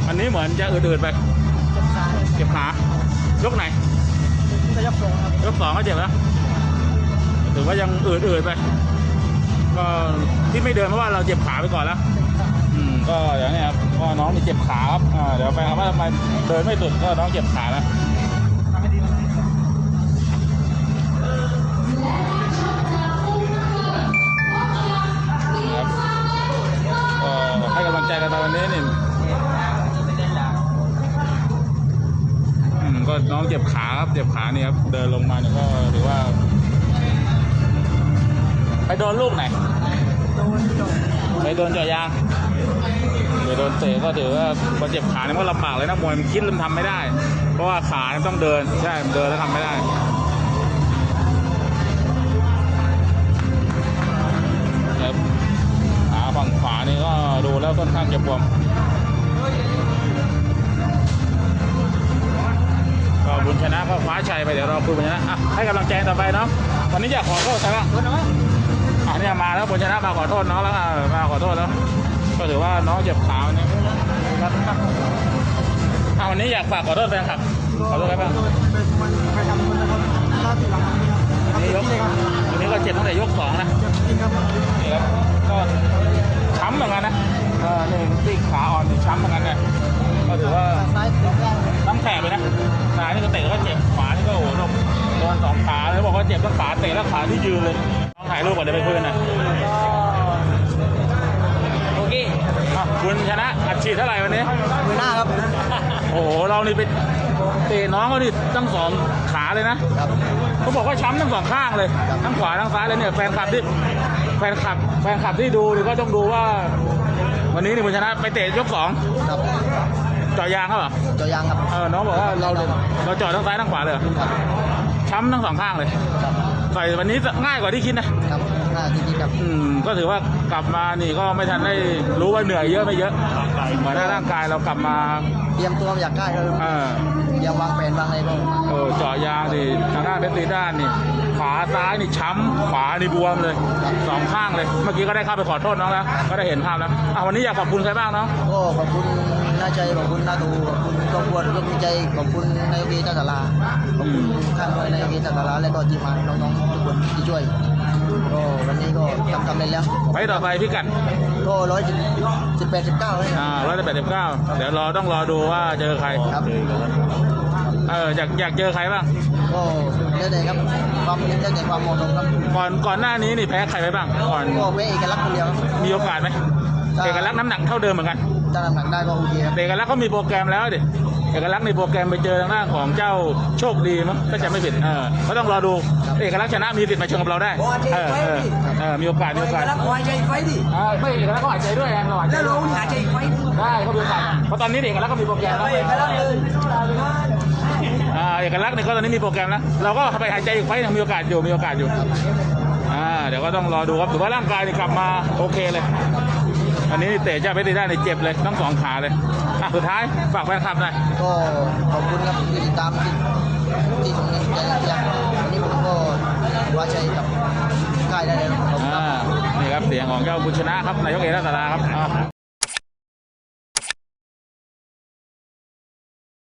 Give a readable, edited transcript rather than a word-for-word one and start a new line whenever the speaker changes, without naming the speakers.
อันนี้เหมือนจะอืดๆไปเจ็บขายกไหน
จะยก2ครับ
ยก2ก็เจ็บแล้วถือว่ายังอืดๆไปก็ที่ไม่เดินเพราะว่าเราเจ็บขาไปก่อนแล้วก็อย่างนี้ครับก็น้องมีเจ็บขาครับเดี๋ยวไปครับว่าทำไมเดินไม่สุดก็น้องเจ็บขาแล้วก็ให้กำลังใจกันตอนนี้นี่ก็น้องเจ็บขาครับเจ็บขานี่ครับเดินลงมาเนี่ยก็ถือว่าไปโดนลูกไหนไปโดนเจาะยางไปโดนเตะก็ถือว่าพอเจ็บขาเนี่ยก็ลำบากเลยนะมวยมันคิดมันทำไม่ได้เพราะว่าขาเนี่ยต้องเดินใช่เดินแล้วทำไม่ได้ครับขาฝั่งขวานี่ก็ดูแล้วค่อนข้างจะบวมก็บุญชนะก็คว้าชัยไปเดี๋ยวเราคุยบุญชนะให้กำลังใจต่อไปเนาะวันนี้อยากขอโทษใครบ้างเนี่ยมาแล้วบุญชนะมาขอโทษน้องแล้วมาขอโทษแล้วก็ถือว่าน้องเจ็บขาเนี่ยวันนี้อยากฝากขอโทษแฟนคลับขอโทษใครบ้างวันนี้ก็เจ็บตั้งแต่ยก2นะนี่ครับก็ช้ำเหมือนกันนะนี่ตีขาอ่อนนี่ช้ำเหมือนกันเนี่ยก็ถือว่าน้ำแข็งเลยนะซ้ายนี่ก็เตะก็เจ็บขวานี่ก็โอ้โหโดน2ขาเลยบอกว่าเจ็บทั้งขาเตะและขาที่ยืนเลยต้องถ่ายรูปก่อนเดี๋ยวไปคุยกันหน่อยโอเคคุณชนะอัดฉีดเท่าไหร่วันนี้
มือหน้าครับ
โอ้โหเรานี่ไปเตะน้องเขานี่ทั้ง2ขาเลยนะเขาบอกว่าช้ำทั้ง2ข้างเลยทั้งขวาทั้งซ้ายเลยเนี่ยแฟนคลับที่ดูนี่ก็ต้องดูว่าวันนี้นี่คุณชนะไปเตะยก2
ครับ
เจาะยางเขาเหรอ
เจาะยางครับ
น้องบอกว่าเราเจาะทั้งซ้ายทั้งขวาเลยช้ำทั้ง2ข้างเลยต่อยวันนี้ง่ายกว่าที่คิดนะครับ
ง่ายที่คิดครับ
ก็ถือว่ากลับมานี่ก็ไม่ทันได้รู้ว่าเหนื่อยเยอะไม่เยอะเหมือนร่างกายเรากลับมา
เตรียมตัวอยากได้เลยยังวางแผนวางอะไรบ้าง
เจาะยางนี่ทางด้านเพชรตีด้านนี่ขาซ้ายนี่ช้ำขวานี่บวมเลย2ข้างเลยเมื่อกี้ก็ได้เข้าไปขอโทษน้องแล้วก็ได้เห็นภาพแล้ววันนี้อยากขอบคุณใครบ้างน้อง
ก็ขอบคุณน้าใจขอบคุณน้าตูขอบคุณกองบวชร่วมใจขอบคุณนายกท่าสาราขอบคุณข้างนายกท่าสาราและก็ทีมงานน้องๆทุกคนที่ช่วยก็วันนี้ก็ทำได้แล้ว
ไปต่อไปพี่กัน
ก็118-19เลย
118-19เดี๋ยวต้องรอดูว่าเจอใคร
ครับ
อยากเจอใครบ้าง
ก็ได้เลยครับความเล่นได้ความเหมาะสมครับ
ก่อนหน้านี้นี่แพ้ใครไปบ้างก่อน
ก็แพ้เอกลักษณ์คนเดียว
มีโอกาสไหมเอกลักษณ์น้ำหนักเท่าเดิมเหมือนกัน
ถ้าน้ำหนักได้ก็โอเคครับ
เอกลักษณ์เขามีโปรแกรมแล้วดิเอกลักษณ์ในโปรแกรมไปเจอทางด้านของเจ้าโชคดีมั้งถ้าจะไม่ผิดก็ต้องรอดูเอกลักษณ์ชนะมีสิทธิ์มาเชิงกับเราได้มีโอกาสเอกลักษณ์หายใจไฟดิไม่เอกลักษณ์ก็หายใจด้วยเราหายใจได้หายใจไฟได้เขามีโอกาสเพราะตอนนี้เอกลักษณ์ก็มีโปรแกรมแล้วเอกลักษณ์เนี่ยก็ตอนนี้มีโปรแกรมแล้วเราก็ไปหายใจอีกไฟยังมีโอกาสอยู่เดี๋ยวก็ต้องรอดูครับถือว่าร่างกายกลับมาโอเคเลยอันนี้เตะจะไปได้ในเจ็บเลยทั้ง2ขาเลยสุดท้ายฝากแฟนคลับหน่อย
ก็ขอบคุณครับที่ติดตามที่ส่งใจอย่างวันนี้ผมก็ว่าใจกับค่ายได้เลย
นี่ครับเสียงของเจ้าบุญชนะครับนายกเอกราชสาราครับ